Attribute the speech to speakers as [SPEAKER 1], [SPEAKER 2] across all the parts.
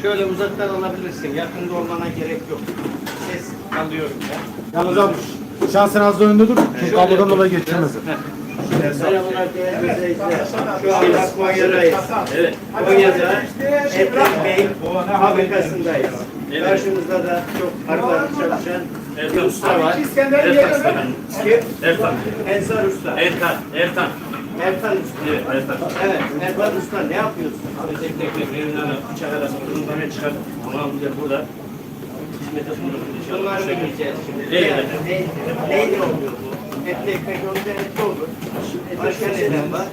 [SPEAKER 1] Şöyle uzaktan alabilirsin. Yakında olmana gerek yok. Ses alıyorum ben.
[SPEAKER 2] Yalnız abi şansın az da önde dur. Çünkü kablodan dolayı geçirmez.
[SPEAKER 1] Merhabalar değerli izleyiciler. Şu anda Konya'dayız. Evet. Konya'da Etlik Bey fabrikasındayız. Karşımızda da çok arılarla çalışan bir usta var.
[SPEAKER 3] Ertan.
[SPEAKER 1] Ensar Usta.
[SPEAKER 3] Ertan.
[SPEAKER 1] Ertan Usta.
[SPEAKER 3] Evet, Ertan.
[SPEAKER 1] Evet. Ertan Usta ne yapıyorsun?
[SPEAKER 3] Tek birbirinden bıçak arasında kurulmaya çıkar. Ama burada hizmete sunulur.
[SPEAKER 1] Bunları bileceğiz şimdi.
[SPEAKER 3] Evet.
[SPEAKER 1] Neyle oluyor bu? Etli ekmek olunca etli olur. Başka neden var?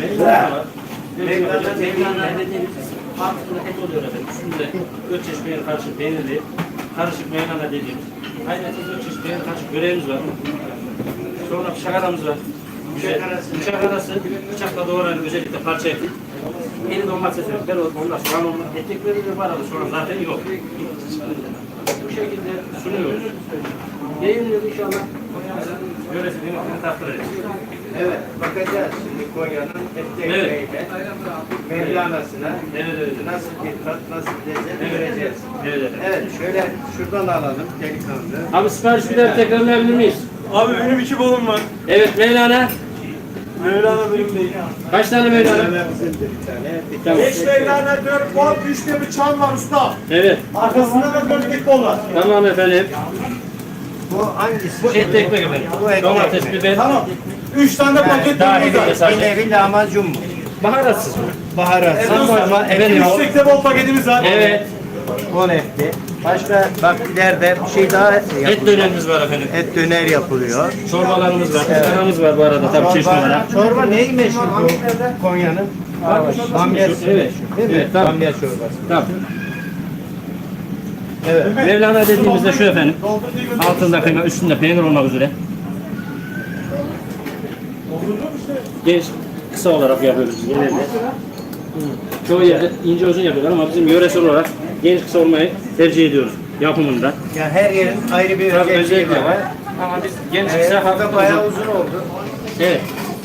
[SPEAKER 3] Mevlana dediğimiz altında et oluyor efendim. Üstünde 4 çeşit peynir karışık peynirli. Karışık Mevlana dediğimiz. Ayrıca 4 çeşit peynir karışık böreğimiz var. Sonra bıçak aramız var. Bıçak arası bıçakla doğrayan özellikle parça eti. Yeni domates etler onlar soğan olmaz. Etekleri de var ama soğan zaten yok. Bu şekilde sunuyoruz. Yayınlıyoruz inşallah. Yöresini takdir edeceğiz.
[SPEAKER 1] Evet, bakacağız şimdi Konya'nın etli
[SPEAKER 3] Evet.
[SPEAKER 1] ekmeğiyle Mevlana'sına
[SPEAKER 3] Evet.
[SPEAKER 1] nasıl bir tat, nasıl bir lezzet göreceğiz.
[SPEAKER 3] Evet.
[SPEAKER 1] Evet, şöyle şuradan alalım delikanlı.
[SPEAKER 3] Abi sipariş bir daha tekrarlayabilir miyiz?
[SPEAKER 2] Abi benim 2 bolum var.
[SPEAKER 3] Evet Mevlana.
[SPEAKER 2] Mevlana benim değil.
[SPEAKER 3] Kaç tane Mevlana?
[SPEAKER 1] Mevlana bizimdir bir tane. Bir
[SPEAKER 3] Tamam.
[SPEAKER 2] 5 Mevlana 4 bol, 3 de bir çan var usta.
[SPEAKER 3] Evet.
[SPEAKER 2] Arkasında da 4 bol var.
[SPEAKER 3] Tamam efendim.
[SPEAKER 1] Bu hangisi?
[SPEAKER 3] Bu etli ekmek efendim.
[SPEAKER 1] Bu etli
[SPEAKER 3] Domates,
[SPEAKER 1] ekmek.
[SPEAKER 3] biber.
[SPEAKER 2] Tamam. 3 tane de paket
[SPEAKER 3] Daha
[SPEAKER 2] var.
[SPEAKER 3] iyi bir sadece.
[SPEAKER 1] Bir nevi lahmacun mu?
[SPEAKER 3] Baharatsız.
[SPEAKER 1] Baharat.
[SPEAKER 3] Ama efendim.
[SPEAKER 2] 3 tekte bol paketimiz var.
[SPEAKER 3] Evet.
[SPEAKER 1] 10 etli. Başka bak ileride bir şey daha
[SPEAKER 3] Et
[SPEAKER 1] yapılıyor.
[SPEAKER 3] dönerimiz var efendim.
[SPEAKER 1] Et döner yapılıyor.
[SPEAKER 3] Çorbalarımız var. Kıskanamız var bu arada tabii çeşit olarak.
[SPEAKER 1] Çorba neyi meşhur bu Konya'nın? Bamya.
[SPEAKER 3] Evet.
[SPEAKER 1] Değil mi?
[SPEAKER 3] Evet, tamam.
[SPEAKER 1] Bamya çorbası.
[SPEAKER 3] Tamam.
[SPEAKER 1] Evet.
[SPEAKER 3] Mevlana dediğimizde şu efendim. Altında kıyma, üstünde peynir olmak üzere. Genç, kısa olarak yapıyoruz biz genelde. Çoğu yerde ince uzun yapıyorlar ama bizim yöresel olarak genç kısa olmayı tercih ediyoruz yapımında.
[SPEAKER 1] Yani her yerin ayrı bir
[SPEAKER 3] Tabii
[SPEAKER 1] özelliği
[SPEAKER 3] özellikle var. Ama biz genç kısa
[SPEAKER 1] Bu da
[SPEAKER 3] hafif
[SPEAKER 1] bayağı
[SPEAKER 3] uzun.
[SPEAKER 1] uzun oldu.
[SPEAKER 3] Evet.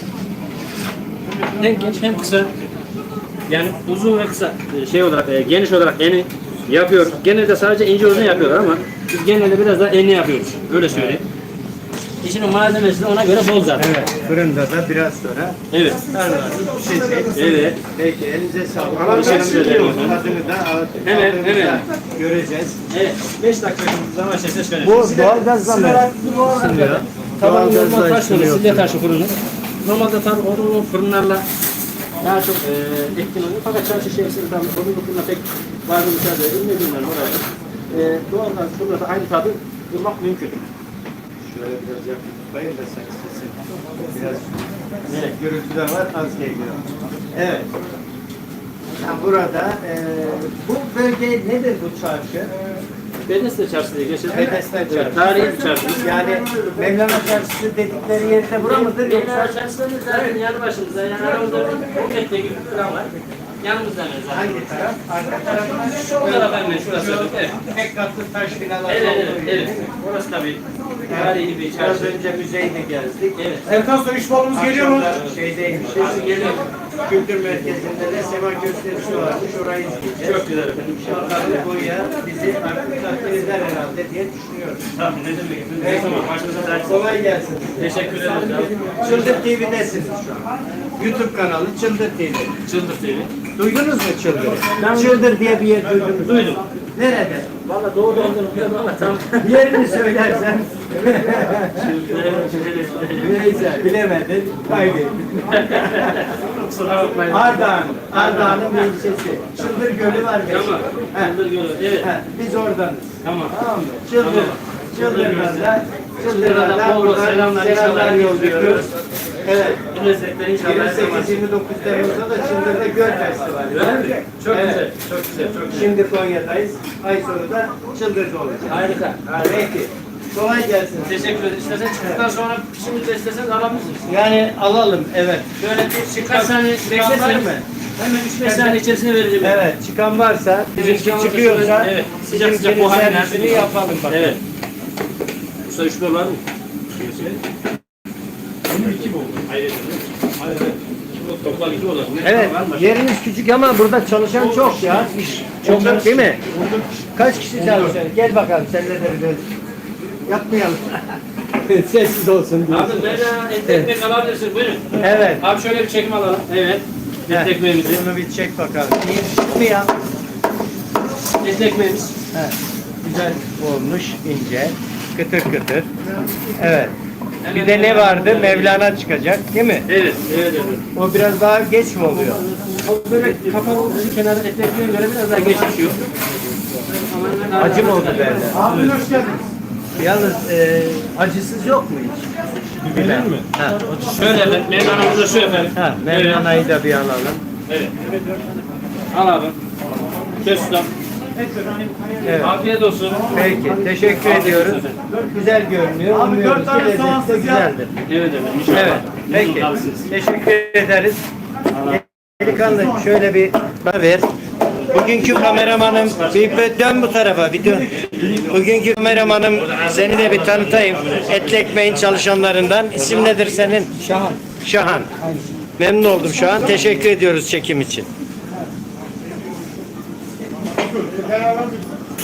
[SPEAKER 3] Hem genç hem kısa. Yani uzun ve kısa şey olarak geniş olarak eni yapıyoruz. Genelde sadece ince uzun yapıyorlar ama biz genelde biraz daha eni yapıyoruz. Öyle söyleyeyim. İşinin malzemesi de ona göre bol zaten.
[SPEAKER 1] Evet. Fırında da biraz sonra
[SPEAKER 3] Evet.
[SPEAKER 1] pişecek.
[SPEAKER 3] Evet.
[SPEAKER 1] Peki elinize sağlık.
[SPEAKER 3] Teşekkür ederim.
[SPEAKER 1] Tadını da
[SPEAKER 3] Hemen,
[SPEAKER 1] aldığımızda
[SPEAKER 3] hemen.
[SPEAKER 1] göreceğiz.
[SPEAKER 3] Evet. 5 dakika zaman ses verelim.
[SPEAKER 1] Bu doğalgazla mı? Isınıyor.
[SPEAKER 3] Tabii normal
[SPEAKER 1] Doğalgazla
[SPEAKER 3] taş fırını,
[SPEAKER 1] ısınıyor.
[SPEAKER 3] silya taşı fırını. Normalde tabii odunlu fırınlarla daha çok etkin oluyor. Fakat çarşı içerisinde tabii odunlu fırına pek bazı müsaade edilmediğinden oraya doğalgaz fırında da aynı tadı bulmak mümkün.
[SPEAKER 1] Şöyle biraz yakın tutayım da sen sesin. Biraz evet, gürültü de var, az geliyor. Evet. Yani burada bu bölge nedir bu çarşı?
[SPEAKER 3] Bedesle çarşı diye geçer.
[SPEAKER 1] Bedesler
[SPEAKER 3] Evet,
[SPEAKER 1] Çarşı.
[SPEAKER 3] tarihi bir çarşı.
[SPEAKER 1] Yani Mevlana Çarşısı dedikleri yerde bura mıdır yoksa?
[SPEAKER 3] Mevlana çarşısının zaten yanı başımızda. Yani aramızda 10 metre gibi bir plan var. Yanımızda hemen zaten.
[SPEAKER 1] Hangi taraf? Arka tarafından
[SPEAKER 3] Şu taraf hemen şurası. Evet.
[SPEAKER 1] tek katlı taş binalar
[SPEAKER 3] Evet,
[SPEAKER 1] olduğu
[SPEAKER 3] evet,
[SPEAKER 1] gibi.
[SPEAKER 3] evet. Orası tabii tarihi bir
[SPEAKER 1] Biraz
[SPEAKER 3] çarşı.
[SPEAKER 1] önce müzeyine gezdik.
[SPEAKER 3] Evet.
[SPEAKER 2] Erkan Soy 3 bolumuz geliyor mu?
[SPEAKER 1] Akşamda şeydeymiş.
[SPEAKER 3] Geliyor.
[SPEAKER 1] Kültür merkezinde de sema gösterisi varmış. Orayı izleyeceğiz.
[SPEAKER 3] Çok güzel efendim.
[SPEAKER 1] Bakalım Konya bizi artık takdir eder herhalde diye düşünüyorum.
[SPEAKER 3] Tabii ne demek. Ne zaman başınıza dert.
[SPEAKER 1] Kolay gelsin.
[SPEAKER 3] Teşekkür ederiz abi.
[SPEAKER 1] Çıldır TV'desiniz şu an. YouTube kanalı Çıldır TV.
[SPEAKER 3] Çıldır TV.
[SPEAKER 1] Duydunuz mu Çıldır? Çıldır diye bir yer duydunuz mu?
[SPEAKER 3] Duydum.
[SPEAKER 1] Nerede?
[SPEAKER 3] Valla doğu olduğunu biliyorum ama tam.
[SPEAKER 1] Yerini söylersen. Neyse bilemedin. Kaybettin.
[SPEAKER 3] Kusura bakmayın.
[SPEAKER 1] Ardahan'ın bir ilçesi. Çıldır Gölü var.
[SPEAKER 3] Tamam. Çıldır Gölü. Evet.
[SPEAKER 1] Biz oradanız.
[SPEAKER 3] Tamam.
[SPEAKER 1] Tamam mı? Çıldır'dan
[SPEAKER 3] Çıldır'dan bol bol selamlar,
[SPEAKER 1] selamlar
[SPEAKER 3] inşallah
[SPEAKER 1] yolluyoruz. Evet.
[SPEAKER 3] Bu lezzetler inşallah her zaman.
[SPEAKER 1] 28-29 Temmuz'da da Çıldır'da Göl Festivali var.
[SPEAKER 3] Öyle mi? Çok
[SPEAKER 1] Evet.
[SPEAKER 3] güzel. Çok güzel. Çok güzel.
[SPEAKER 1] Şimdi Konya'dayız. Ay sonu da Çıldır'da olacak.
[SPEAKER 3] Harika.
[SPEAKER 1] Peki. Kolay gelsin.
[SPEAKER 3] Teşekkür ederim. İstersen çıktıktan sonra şimdi de isterseniz alabilirsiniz.
[SPEAKER 1] Yani alalım. Evet.
[SPEAKER 3] Şöyle bir birkaç saniye
[SPEAKER 1] Çıkan var
[SPEAKER 3] beklerseniz
[SPEAKER 1] mı?
[SPEAKER 3] hemen 3-5 saniye içerisinde vereceğim.
[SPEAKER 1] Evet. Çıkan varsa, bizimki
[SPEAKER 3] çıkan
[SPEAKER 1] çıkıyorsa,
[SPEAKER 3] varsa, evet. Sıcak sıcak
[SPEAKER 1] bizimkinin
[SPEAKER 3] buhar
[SPEAKER 1] servisini
[SPEAKER 3] enerjisi.
[SPEAKER 1] yapalım bakalım.
[SPEAKER 3] Evet. Usta 3 dolar mı?
[SPEAKER 2] Benim 2 bol.
[SPEAKER 3] Hayır.
[SPEAKER 2] Hayır.
[SPEAKER 3] Toplam 2 oda.
[SPEAKER 1] Evet, yeriniz küçük ama burada çalışan çok ya. İş çok değil mi? Kaç kişi çalışıyor? Gel bakalım seninle de bir yapmayalım. Sessiz olsun diye.
[SPEAKER 3] Abi ben et ekmek alabilirsin. Buyurun.
[SPEAKER 1] Evet.
[SPEAKER 3] Abi şöyle bir çekim alalım. Evet. Et ekmeğimizi.
[SPEAKER 1] Bunu bir çek bakalım. İyi mi ya?
[SPEAKER 3] Et ekmeğimiz.
[SPEAKER 1] He. Güzel olmuş, ince, kıtır kıtır. Evet. Bir de ne vardı? Mevlana çıkacak, değil mi?
[SPEAKER 3] Evet. Evet. Evet.
[SPEAKER 1] O biraz daha geç mi oluyor?
[SPEAKER 3] O böyle kapalı olduğu için kenarda et ekmeğe göre biraz daha geç pişiyor.
[SPEAKER 1] Acı mı oldu derler? Abi hoş geldiniz. Yalnız acısız yok mu hiç? Biber mi? Ha.
[SPEAKER 3] Şöyle efendim. Mevlana'mız da şu efendim.
[SPEAKER 1] Ha, Mevlana'yı da bir alalım.
[SPEAKER 3] Evet. Al abi. Kes ustam.
[SPEAKER 1] Evet.
[SPEAKER 3] Afiyet olsun.
[SPEAKER 1] Peki, teşekkür ediyoruz. Güzel görünüyor. Abi 4 tane lezzeti güzeldir.
[SPEAKER 3] Evet efendim. İnşallah.
[SPEAKER 1] Evet, peki. Teşekkür ederiz. Delikanlı şöyle bir bana ver. Bugünkü kameramanım, bir dön bu tarafa, bir dön. Bugünkü kameramanım, seni de bir tanıtayım. Etli Ekmeğin çalışanlarından. İsim nedir senin? Şahan. Şahan. Memnun oldum Şahan. Teşekkür ediyoruz çekim için.